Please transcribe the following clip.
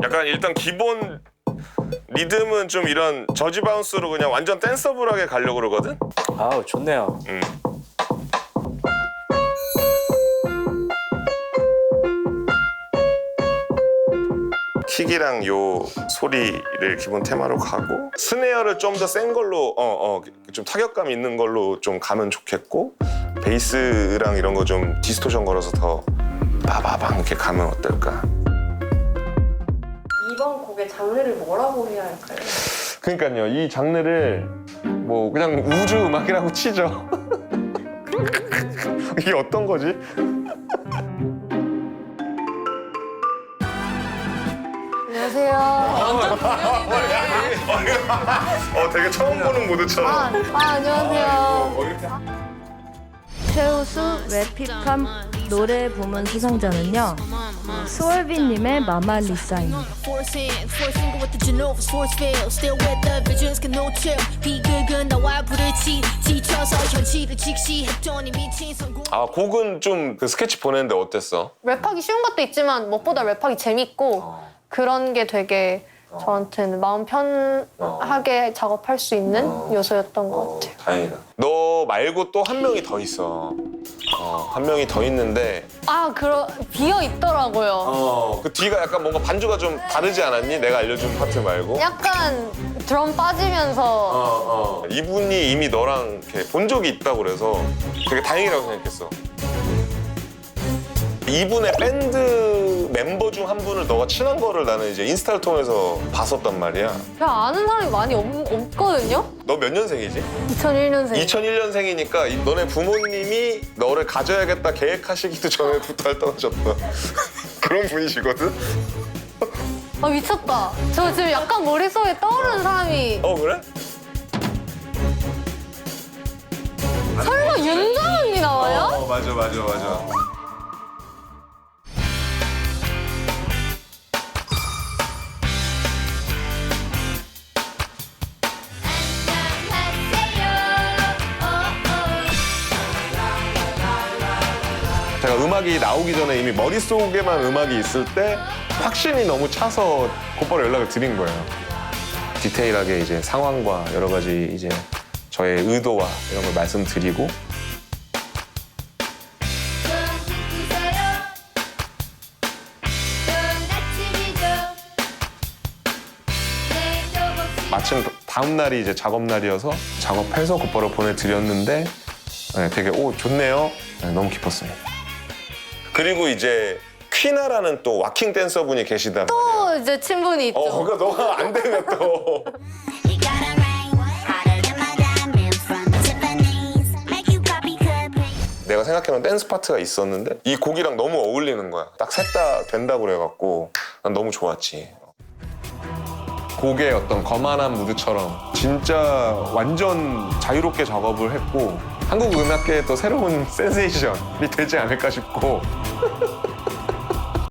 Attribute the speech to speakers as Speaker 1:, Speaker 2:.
Speaker 1: 약간 일단 기본 리듬은 좀 이런 저지 바운스로 그냥 완전 댄서블하게 가려고 그러거든?
Speaker 2: 아우 좋네요.
Speaker 1: 킥이랑 요 소리를 기본 테마로 가고 스네어를 좀 더 센 걸로 좀 타격감 있는 걸로 좀 가면 좋겠고 베이스랑 이런 거 좀 디스토션 걸어서 더 빠바방 이렇게 가면 어떨까?
Speaker 3: 이번 곡의 장르를 뭐라고 해야 할까요?
Speaker 1: 그러니까요, 이 장르를 뭐 그냥 우주 음악이라고 치죠. 이게 어떤 거지?
Speaker 3: 안녕하세요.
Speaker 1: 되게 처음 보는 무드처럼.
Speaker 3: 안녕하세요.
Speaker 4: 최우수 랩힙합 노래 부문 수상자는요, 스월빈님의 마마리사입니다.
Speaker 1: 아, 곡은 좀 그 스케치 보냈는데 어땠어?
Speaker 3: 랩하기 쉬운 것도 있지만 무엇보다 랩하기 재밌고 그런 게 되게 저한테는 마음 편하게 작업할 수 있는 요소였던 것 같아요.
Speaker 1: 다행이다. 너 말고 또 한 명이 더 있어. 한 명이 더 있는데
Speaker 3: 비어 있더라고요.
Speaker 1: 그 뒤가 약간 뭔가 반주가 좀 다르지 않았니? 내가 알려준 파트 말고.
Speaker 3: 약간 드럼 빠지면서
Speaker 1: 이분이 이미 너랑 이렇게 본 적이 있다고 그래서 되게 다행이라고 생각했어. 이분의 밴드 멤버 중 한 분을 너가 친한 거를 나는 이제 인스타를 통해서 봤었단 말이야.
Speaker 3: 그냥 아는 사람이 많이 없거든요?
Speaker 1: 너 몇 년생이지?
Speaker 3: 2001년생.
Speaker 1: 2001년생이니까 너네 부모님이 너를 가져야겠다 계획하시기도 전에부터 떠나셨다. 그런 분이시거든?
Speaker 3: 미쳤다. 저 지금 약간 머릿속에 떠오르는 사람이
Speaker 1: 그래?
Speaker 3: 설마 윤정 언니 나와요?
Speaker 1: 맞아. 제가 음악이 나오기 전에 이미 머릿속에만 음악이 있을 때 확신이 너무 차서 곧바로 연락을 드린 거예요. 디테일하게 이제 상황과 여러 가지 이제 저의 의도와 이런 걸 말씀드리고 마침 다음 날이 이제 작업 날이어서 작업해서 곧바로 보내드렸는데 되게 좋네요. 너무 기뻤습니다. 그리고 이제 퀴나라는 또 와킹 댄서분이 계시단 말이야.
Speaker 3: 또 이제 친분이 있죠.
Speaker 1: 그러니까 너가 안 되면 또 내가 생각해놓은 댄스 파트가 있었는데 이 곡이랑 너무 어울리는 거야. 딱 셋 다 된다고 그래갖고 난 너무 좋았지. 곡의 어떤 거만한 무드처럼 진짜 완전 자유롭게 작업을 했고 한국 음악계의 또 새로운 센세이션이 되지 않을까 싶고